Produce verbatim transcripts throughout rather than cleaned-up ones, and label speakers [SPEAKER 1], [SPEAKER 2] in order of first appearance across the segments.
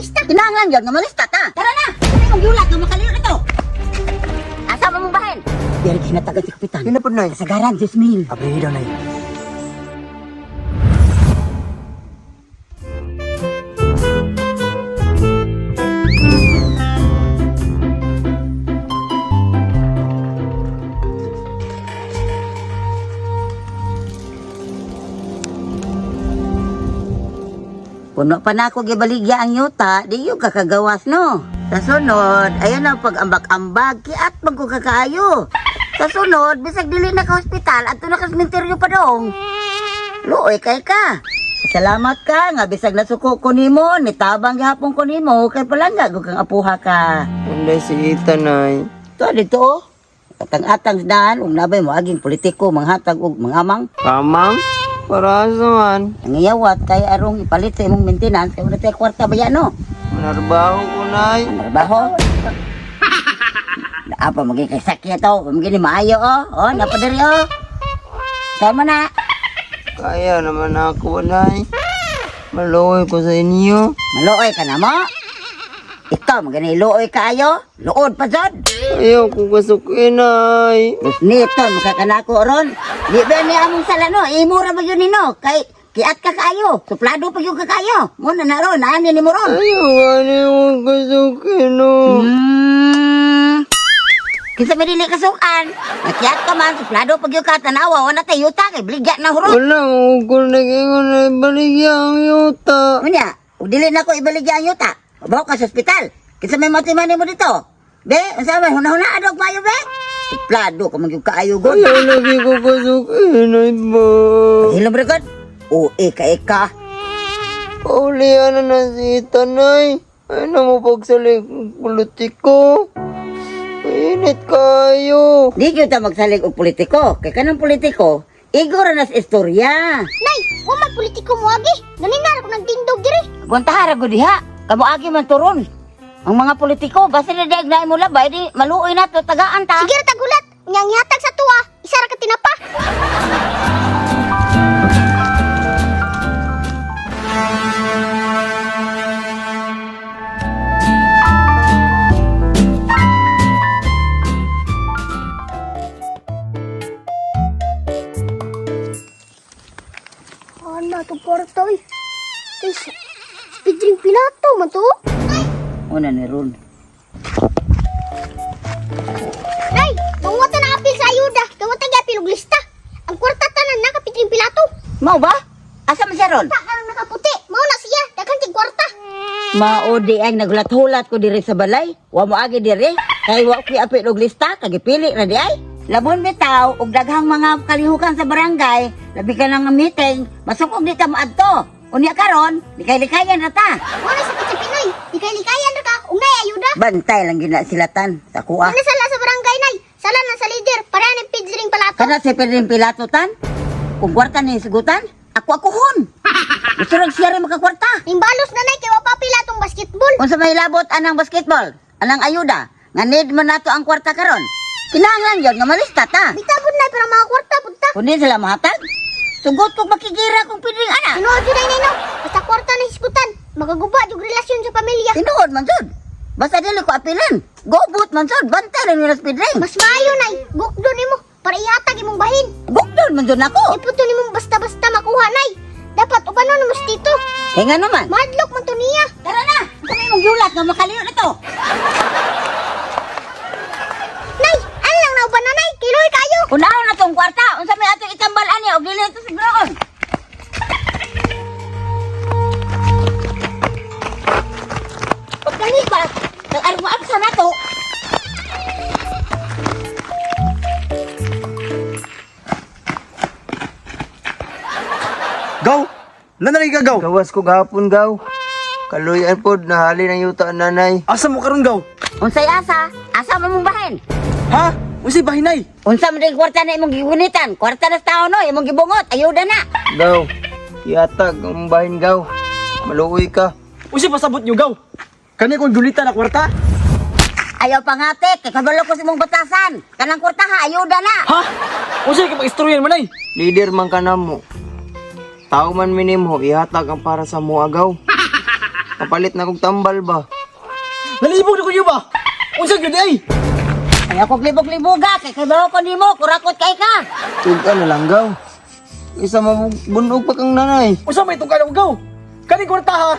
[SPEAKER 1] lista.
[SPEAKER 2] Kinahanglan yun nga malista ta. Tara na! Kami mong yulat nga makaliw na to. Asa mo mong bahin? Diyari kinatagan si Kapitan.
[SPEAKER 3] Kinapod na eh.
[SPEAKER 2] Kasagaran, Jasmine.
[SPEAKER 3] Abrihi daw na eh.
[SPEAKER 2] Puno pa na ako gibaligya ang yuta, di yung kakagawas no. Sa sunod, ayan ang pag-ambak-ambag, kiat mag ko kakaayo. Sa sunod, bisag dili na ka hospital, at na ka sementeryo pa dong. Luoy kay ka. Salamat ka nga, bisag nasuko ko nimo, nitabang gihapon ko nimo, kay palangga kung kang apuha ka.
[SPEAKER 3] Punday si Ita nay.
[SPEAKER 2] Ito, dito. Atang-atang daan, ug nabay mo aging politiko, manghatag ug mangamang.
[SPEAKER 3] Kamang? Para saan?
[SPEAKER 2] Nangiyawat, kay arong ipalit sa imong maintenance, kay wala tayo kwarta ba yan no?
[SPEAKER 3] Manarbaho ko nay.
[SPEAKER 2] Trabaho. Apa maging kay sakya to? Maging maayo oh. Oh, napadari oh. Saan mo na?
[SPEAKER 3] Kaya naman ako nay. Maluoy ko sa inyo.
[SPEAKER 2] Maluoy ka na mo? Ikaw, maging iluoy ka ayo? Luod pa dyan.
[SPEAKER 3] Ayaw ko kasukin nay.
[SPEAKER 2] Nito, makakanako ron. Di ba ni among sala no? Imura ba yun nino? Kay, kiat ka kaayo. Suplado pa yung kakayo. Muna na ron, naanin ni mo ron.
[SPEAKER 3] Ayaw ani mo kasukin no.
[SPEAKER 2] Hmm. Kinsa may dili kasukan. Nakiat ka man, suplado pag yung katanawa, wala tayo yuta, kay bligya na hurot.
[SPEAKER 3] Wala ko nag-ingon na ibaligya ang yuta.
[SPEAKER 2] Unya, dili na ko ibaligya ang yuta. Bawa ka sa ospital. Kinsa may matimani mo dito. Be, ang sabi, huna-huna adog payo, be. Suplado ka magyug kaayo god.
[SPEAKER 3] Ayaw lagi ko kasukin ay ba.
[SPEAKER 2] Hilom rekod. O, eka, eka.
[SPEAKER 3] Paulihan na na si Ita nay. Ay na mo pagsalig politiko. Init kayo.
[SPEAKER 2] Di kita magsalig og politiko. Kay kanang politiko, igor na sa istorya.
[SPEAKER 1] Nay, wa man politiko mo agi. Naninara ko nagtindog diri.
[SPEAKER 2] Buntahara ko diha. Kamu agi man turon. Ang mga politiko, basta na diag na mo labay, di maluoy na to, tagaan ta.
[SPEAKER 1] Sige ra tagulat. Nyang ihatag sa tuwa, isa ra ka tinapa. Ano to porto eh. Is, speed drink pilato man to.
[SPEAKER 2] Una ni Ron.
[SPEAKER 1] Nay, mawata na apil sa ayuda. Gawata nga apil og lista. Ang kwarta tanan na kapitring pilato.
[SPEAKER 2] Mau ba? Asa man siya Ron?
[SPEAKER 1] Ta karang nakaputi. Mao na siya, daghang tig kwarta.
[SPEAKER 2] Maudi ay naghulat-hulat ko diri sa balay. Wa mo agi diri. Kay wa ko apil og lista, kagipili ra di ay. Labon bitaw og daghang mga kalihukan sa barangay, labi ka nang meeting, masukog di ta maadto. Unya karon, likay-likayan na ta.
[SPEAKER 1] Mao na sakit sa Pinoy. Di kay likayan ra ka. Ug nay ayuda.
[SPEAKER 2] Bantay lang gina silatan sa kuha.
[SPEAKER 1] Ano sala sa barangay nay? Sala na sa leader para ni pidring palato.
[SPEAKER 2] Kana si Pedring Pilatotan? Kung kwarta ni sigutan, ako akuhon. Gusto rin siya rin makakwarta.
[SPEAKER 1] Imbalos na nay kay wa pa pilatong basketball.
[SPEAKER 2] Kung sa may labot anang basketball, anang ayuda, nga need mo nato ang kwarta karon. Kinahanglan yun nga malista ta.
[SPEAKER 1] Bitagod nay para mga kwarta punta.
[SPEAKER 2] Kung di sila mahatag, sugot kong makigira kung pidring ana.
[SPEAKER 1] Tinuod jud nay no. Basta kwarta na hisgutan. Magaguba jud relasyon sa pamilya.
[SPEAKER 2] Tinuod man jud. Basta dili ko apilan. Gobot man jud, bantay rin nila sa pidring.
[SPEAKER 1] Mas maayo nay. Gukdo nimo para ihatag imong bahin.
[SPEAKER 2] Gugdon man jud nako.
[SPEAKER 1] Iputo nimo basta-basta makuha nay. Dapat upano nimo dito.
[SPEAKER 2] Kaya nga naman.
[SPEAKER 1] Madlok man to niya.
[SPEAKER 2] Tara na! Kami mong yulat nga makaliw na to.
[SPEAKER 1] Nay, ano lang na uban na nay? Kiloy kayo.
[SPEAKER 2] Unahon na tong kwarta. Unsa may ato itambal ani og dili ito sigroon. Pagkalipas, nag-arwa sa nato.
[SPEAKER 4] Gaw! Nanay ka, Gaw!
[SPEAKER 3] Gawas ko gahapon gaw. Kaluyan pod nahali ng yuta ang nanay.
[SPEAKER 4] Asa mo karon, Gaw?
[SPEAKER 2] Unsay asa? Asa man mong bahin?
[SPEAKER 4] Ha? Usi bahinay?
[SPEAKER 2] Unsa man din kwarta na imong gigunitan? Kwarta na sa tao no, imong gibungot. Ayuda na.
[SPEAKER 3] Gaw. Ihatag ang bahin gaw. Maluoy ka.
[SPEAKER 4] Usi pasabot nyo, Gaw! Kani kong gulita na kwarta?
[SPEAKER 2] Ayaw pangatik, kay kabalo ko sa imong batasan. Kanang kwarta ha, ayuda na.
[SPEAKER 4] Ha? Usi kipag-istoryan man ay?
[SPEAKER 3] Leader man ka na mo. Tao man minimo, ihatag ang para sa mo agaw. Kapalit na kong tambal ba?
[SPEAKER 4] Nalibog na ko niyo ba? Unsa gyud ay?
[SPEAKER 2] Ay ako libog-liboga, kay kabaw ko nimo, kurakot kay ka.
[SPEAKER 3] Tulka na lang gaw. Isa mabunog pa kang nanay.
[SPEAKER 4] Unsa may tungkal ang gaw? Kani kwarta ha?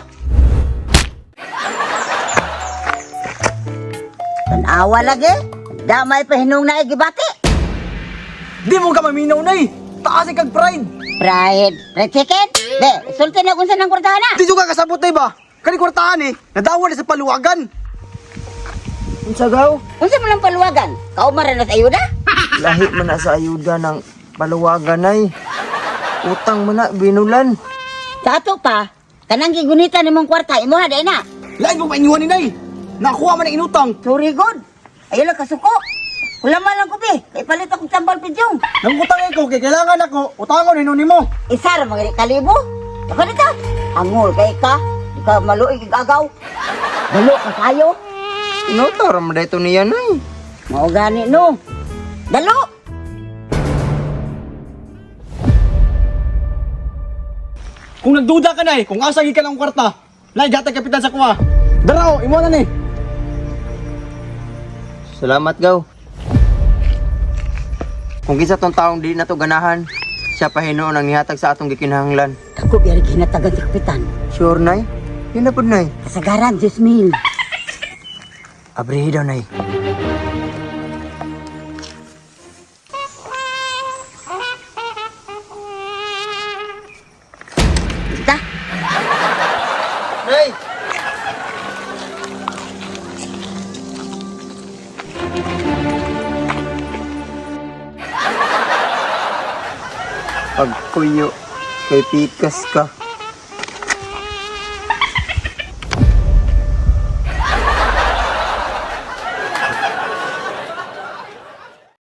[SPEAKER 2] Tanawa lagi. Damay pa hinung na igibati.
[SPEAKER 4] Di mo ka maminaw nay. Taas kag pride.
[SPEAKER 2] Pride, pride chicken? Be, sulti na kung saan ang kwartahan na.
[SPEAKER 4] Di juga kasabot nay ba? Kani kwartahan eh, nadawa na sa paluwagan.
[SPEAKER 3] Unsa gaw?
[SPEAKER 2] Unsa mo lang paluwagan? Kaumaran na sa ayuda?
[SPEAKER 3] Lahi man na sa ayuda ng paluwagan ay. Utang man na, binulan.
[SPEAKER 2] Sa ato pa, kanang gigunita ni mong kwarta, imuha day na.
[SPEAKER 4] Lain mo mainyuhan ni nay. Nakuha man ang inutang.
[SPEAKER 2] Sorry good. Ayun lang kasuko. Kulama lang ko be, kay palit akong tambal pidyong.
[SPEAKER 4] Nang utang ko kay kailangan ako, utangon hinon nimo.
[SPEAKER 2] Isa ra mga kalibo. Ako nito, angol kay ka. Di ka maluig igagaw. Dalo ka kayo.
[SPEAKER 3] Inotar mo dito niya nay.
[SPEAKER 2] Mao gani no. Dalo.
[SPEAKER 4] Kung nagduda ka nay, kung asa gi ka ng kwarta, nay gatag kapitan sa kuha. Daraw, imo na ni.
[SPEAKER 3] Salamat gaw. Kung kisa tong taong di na to ganahan, siya pa hinuon ang nihatag sa atong gikinahanglan.
[SPEAKER 2] Ako biyari kinatagan si kapitan.
[SPEAKER 3] Sure nay? Yun na po nay.
[SPEAKER 2] Kasagaran, Diyos mil.
[SPEAKER 3] Abrihi daw nay.
[SPEAKER 2] Kita.
[SPEAKER 3] Nay! Pagkuyo, kay pikas ka.